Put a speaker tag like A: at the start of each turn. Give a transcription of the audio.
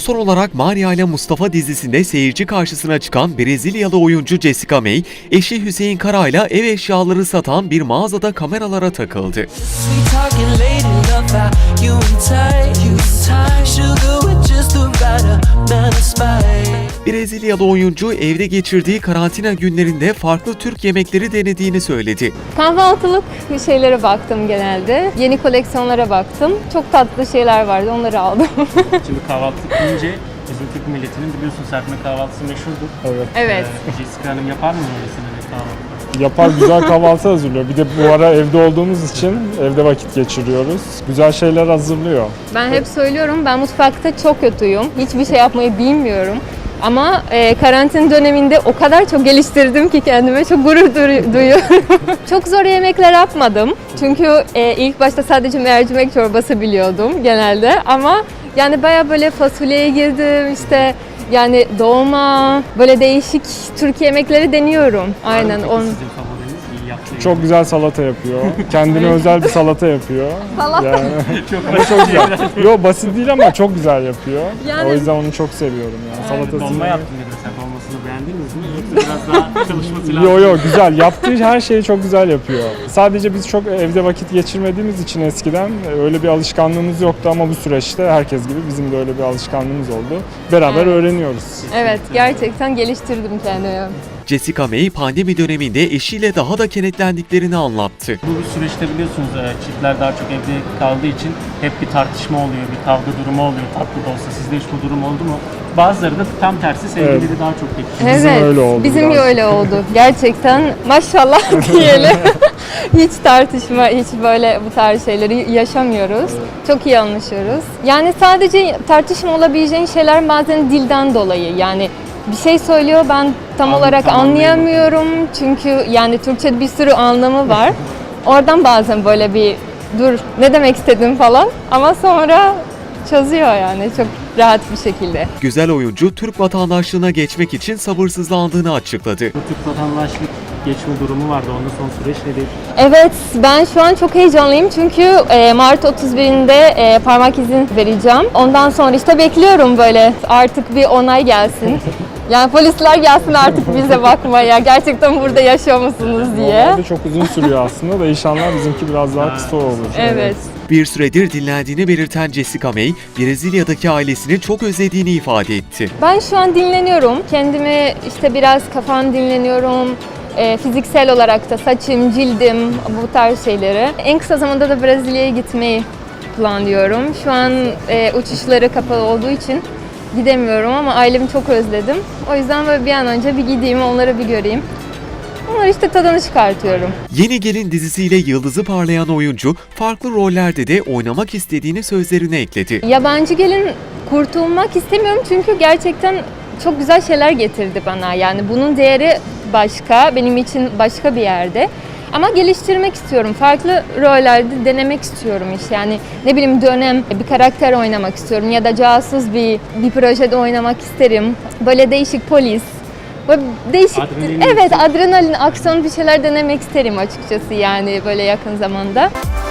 A: Son olarak Maria ile Mustafa dizisinde seyirci karşısına çıkan Brezilyalı oyuncu Jessica May, eşi Hüseyin Kara ile ev eşyaları satan bir mağazada kameralara takıldı. Brezilyalı oyuncu evde geçirdiği karantina günlerinde farklı Türk yemekleri denediğini söyledi.
B: Kahvaltılık şeylere baktım genelde. Yeni koleksiyonlara baktım. Çok tatlı şeyler vardı, onları aldım.
C: Şimdi kahvaltılık deyince bizim Türk milletinin biliyorsun serpme kahvaltısı meşhurdur.
D: Evet.
B: Evet.
C: Jessica Hanım yapar mı öylesine bir kahvaltı?
D: Yapar, güzel kahvaltı hazırlıyor. Bir de bu ara evde olduğumuz için evde vakit geçiriyoruz. Güzel şeyler hazırlıyor.
B: Ben hep söylüyorum, ben mutfakta çok kötüyüm. Hiçbir şey yapmayı bilmiyorum. Ama karantin döneminde o kadar çok geliştirdim ki kendime çok gurur duyuyorum. Çok zor yemekler yapmadım. Çünkü ilk başta sadece mercimek çorbası biliyordum genelde. Ama yani bayağı böyle fasulyeye girdim işte. Yani dolma, böyle değişik Türk yemekleri deniyorum. Aynen.
C: Peki sizin favoriniz iyi yaptığı
D: Çok güzel salata yapıyor. Kendine özel bir salata yapıyor.
B: Salata.
D: Yani,
C: çok
D: ama çok güzel. Yo, basit değil ama çok güzel yapıyor.
B: Yani-
D: O yüzden onu çok seviyorum yani. Salatasını.
C: Dolma yaptın dedi sen. Dolmasını beğendiniz mi? Yoksa biraz daha çalışması lazım.
D: Yo güzel. Yaptığı her şeyi çok güzel yapıyor. Sadece biz çok evde vakit geçirmediğimiz için eskiden öyle bir alışkanlığımız yoktu ama bu süreçte herkes gibi bizim de öyle bir alışkanlığımız oldu. Beraber
B: Evet.
D: öğreniyoruz.
B: Evet, gerçekten geliştirdim kendimi.
A: Jessica May pandemi döneminde eşiyle daha da kenetlendiklerini anlattı.
C: Bu süreçte biliyorsunuz çiftler daha çok evde kaldığı için hep bir tartışma oluyor, bir kavga durumu oluyor tatlı da olsa. Sizde hiç bu durum oldu mu? Bazıları da tam tersi sevgilileri
D: Evet.
C: daha çok pek.
D: Bizim
B: Evet,
D: öyle oldu
B: bizim
D: biraz.
B: öyle oldu. Gerçekten maşallah diyelim. Hiç tartışma, hiç böyle bu tarz şeyleri yaşamıyoruz. Çok iyi anlaşıyoruz. Yani sadece tartışma olabileceğin şeyler bazen dilden dolayı. Yani bir şey söylüyor, ben tam olarak anlayamıyorum. Çünkü yani Türkçe'de bir sürü anlamı var. Oradan bazen böyle bir dur ne demek istedim falan ama sonra çözüyor yani çok rahat bir şekilde.
A: Güzel oyuncu Türk vatandaşlığına geçmek için sabırsızlandığını açıkladı.
C: Bu Türk vatandaşlık geçme durumu vardı. Onda son süreç nedir?
B: Evet, ben şu an çok heyecanlıyım çünkü Mart 31'inde parmak izin vereceğim. Ondan sonra işte bekliyorum böyle artık bir onay gelsin. Yani polisler gelsin artık bize bakmaya, gerçekten burada yaşıyor musunuz diye.
D: Normalde çok uzun sürüyor aslında da inşallah bizimki biraz daha kısa olur.
B: Evet.
A: Bir süredir dinlendiğini belirten Jessica May, Brezilya'daki ailesini çok özlediğini ifade etti.
B: Ben şu an dinleniyorum. Kendimi işte biraz kafam dinleniyorum. Fiziksel olarak da saçım, cildim, bu tarz şeyleri. En kısa zamanda da Brezilya'ya gitmeyi planlıyorum. Şu an uçuşları kapalı olduğu için gidemiyorum ama ailemi çok özledim. O yüzden böyle bir an önce bir gideyim, onları bir göreyim. Onları işte tadını çıkartıyorum.
A: Yeni Gelin dizisiyle yıldızı parlayan oyuncu, farklı rollerde de oynamak istediğini sözlerine ekledi.
B: Yabancı gelin kurtulmak istemiyorum çünkü gerçekten çok güzel şeyler getirdi bana. Yani bunun değeri başka, benim için başka bir yerde. Ama geliştirmek istiyorum. Farklı rollerde denemek istiyorum iş. Yani ne bileyim dönem bir karakter oynamak istiyorum ya da casus bir projede oynamak isterim. Böyle değişik polis. Böyle değişik,
C: Adrenalin
B: evet adrenalin, aksiyon bir şeyler denemek isterim açıkçası yani böyle yakın zamanda.